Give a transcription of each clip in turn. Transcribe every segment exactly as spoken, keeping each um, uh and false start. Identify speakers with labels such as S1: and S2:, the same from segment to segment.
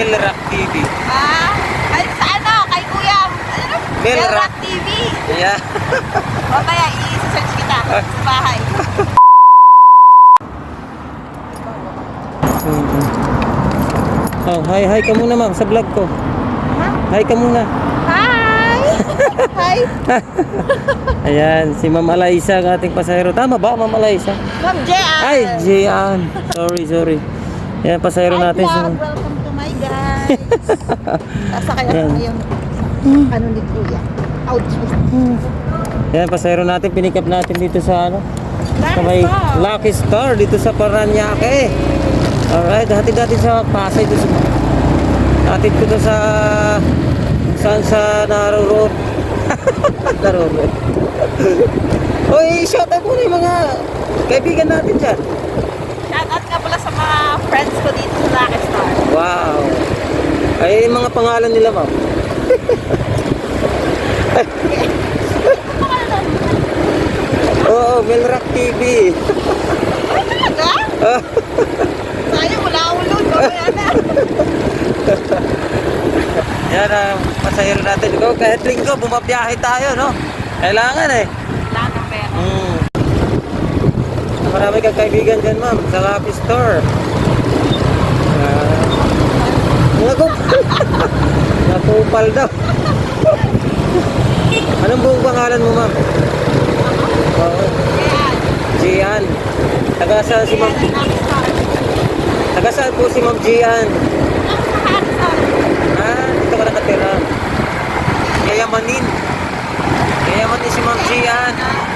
S1: Melrock T V.
S2: Ah, ay sa ano, kay Kuya, ano?
S1: Melrock.
S2: Melrock T V.
S1: Yeah.
S2: Mamaya, i-search kita sa bahay.
S1: Mm-hmm. Oh, hi, hi ka muna ma'am sa vlog ko.
S2: Ha?
S1: Hi ka muna.
S2: Hi! Hi!
S1: Ayan, si Ma'am Alaisa ang ating pasahero. Tama ba, Ma'am Alaisa?
S2: Ma'am Jean!
S1: Ay, Jean. Sorry, sorry. Ayan, pasahero
S2: Hi,
S1: natin. Si...
S2: vlog. Welcome to my guys. Sasakay ako
S1: Ayan.
S2: ngayon. Ano ni Kuya? Ouch!
S1: Ayan, pasahero natin. Pinikap natin dito sa ano? Sa may
S2: Lucky Star.
S1: Lucky Star dito sa Paranaque. Alright, hatid natin sa Pasay dito sa... Hatid ko to sa... Saan sa Naro Road. Naro Road. Uy, shout out muna yung mga kaibigan natin dyan.
S2: Shoutout nga pala sa mga friends ko dito sa Lucky Star.
S1: Wow. Ay, yung mga pangalan nila, ma'am. Oo, Melrock T V.
S2: Ay, talaga? Sayang, wala akong load. Mamaya na.
S1: Yan ang pasahero natin. Ikaw, kahit linggo, bumabiyahe tayo, no? Kailangan eh.
S2: Wala na pera.
S1: Mm. Marami kang kaibigan dyan, ma'am, sa Lucky Store. Uh, mga kupal. Mga kupal daw. Anong buong pangalan mo, ma'am? Oo.
S2: Ayan.
S1: Gian. Taga saan si ma'am?
S2: Lucky Star.
S1: Taga saan po si ma'am Gian?
S2: Sa Harrison.
S1: Ah, dito ka nakatira. Yayamanin. Yayamanin si ma'am Gian.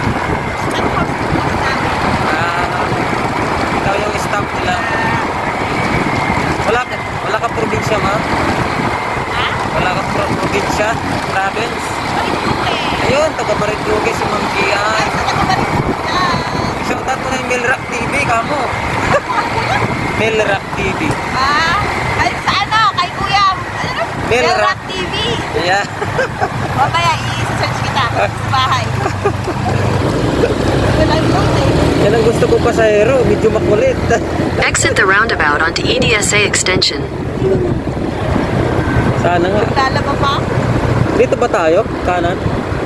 S1: Ah, ikaw yung staff nila. Wala ka, wala ka probinsya, ma'am?
S2: Ha?
S1: Wala ka pro probinsya? Province?
S2: Marinduque.
S1: Ayun, taga Marinduque si ma'am Gian.
S2: Ay, sa taga-Marinduque.
S1: Shoutout mo na yung Melrock T V, kamo. Melrock T V.
S2: Ah, ay sa ano, kay Kuya, ano?
S1: Melrock.
S2: Melrock T V.
S1: Yeah.
S2: Mamaya, i-search kita sa bahay. Wala yung load eh.
S1: Yan ang gusto ko pasahero, medyo makulit.
S3: Exit the roundabout onto E D S A Extension.
S1: Sana nga.
S2: Lalaba pa?
S1: Dito ba tayo? Kanan?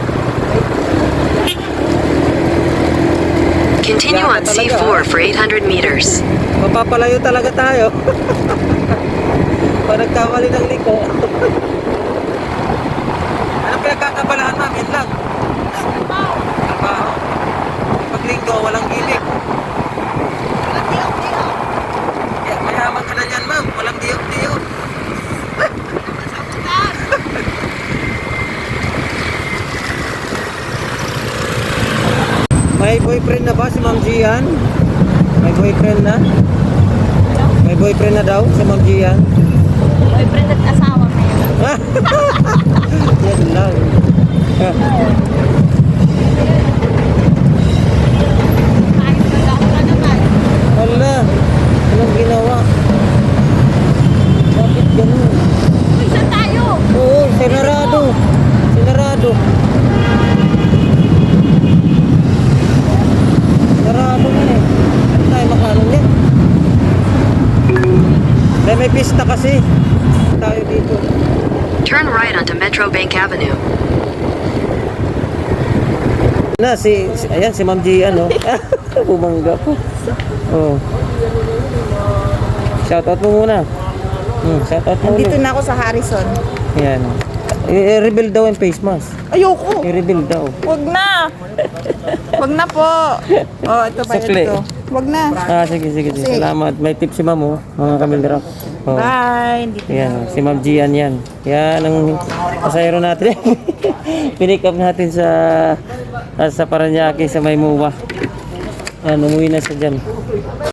S3: Continue on C four for eight hundred meters.
S1: Mapapalayo talaga tayo. Pag nagkamali ng liko. Anong pinagkakabalahan, ma'am? Yun lang. Trabaho. Pag linggo, walang gimmick.
S2: Walang diok-diok.
S1: Kaya mayaman ka na yan, ma'am. Walang diyok-diyok.
S2: Masabutan.
S1: May boyfriend na ba si Ma'am Gian? May boyfriend na? May boyfriend na daw si Ma'am Gian?
S2: Boyfriend at asawa meron.
S1: Yan lang.
S2: Ayos na daw na naman.
S1: Wala. Anong ginawa? Bakit ganun?
S2: Uy, saan tayo?
S1: Oo, sinarado. Sinarado. Sarado na eh. Ano tayo makaroon niya? Dahil may pista kasi. Tayo dito.
S3: Turn right onto Metro Bank Avenue.
S1: Na, si, si ayan, si Ma'am Gian, no? Bumangga po. Oh. Shoutout mo muna. Hmm, shoutout mo
S2: Nandito
S1: ulit.
S2: na ako sa Harrison.
S1: Ayan. I-rebuild daw yung face mask.
S2: Ayoko.
S1: I-rebuild daw.
S2: Wag na. Wag na po. Oh, ito ba
S1: Sukli.
S2: ito? Wag na.
S1: Ah, sige, sige, sige.
S2: Sige.
S1: Salamat. May tip si Ma'am, oh. Mga kamildra. Oh.
S2: Bye. Dito
S1: Yan,
S2: na.
S1: oh. Si Ma'am Gian yan. Yan ang pasahero natin. Pinick up natin sa sa Paranaque sa Maymuwa. Yan, umuwi na siya dyan.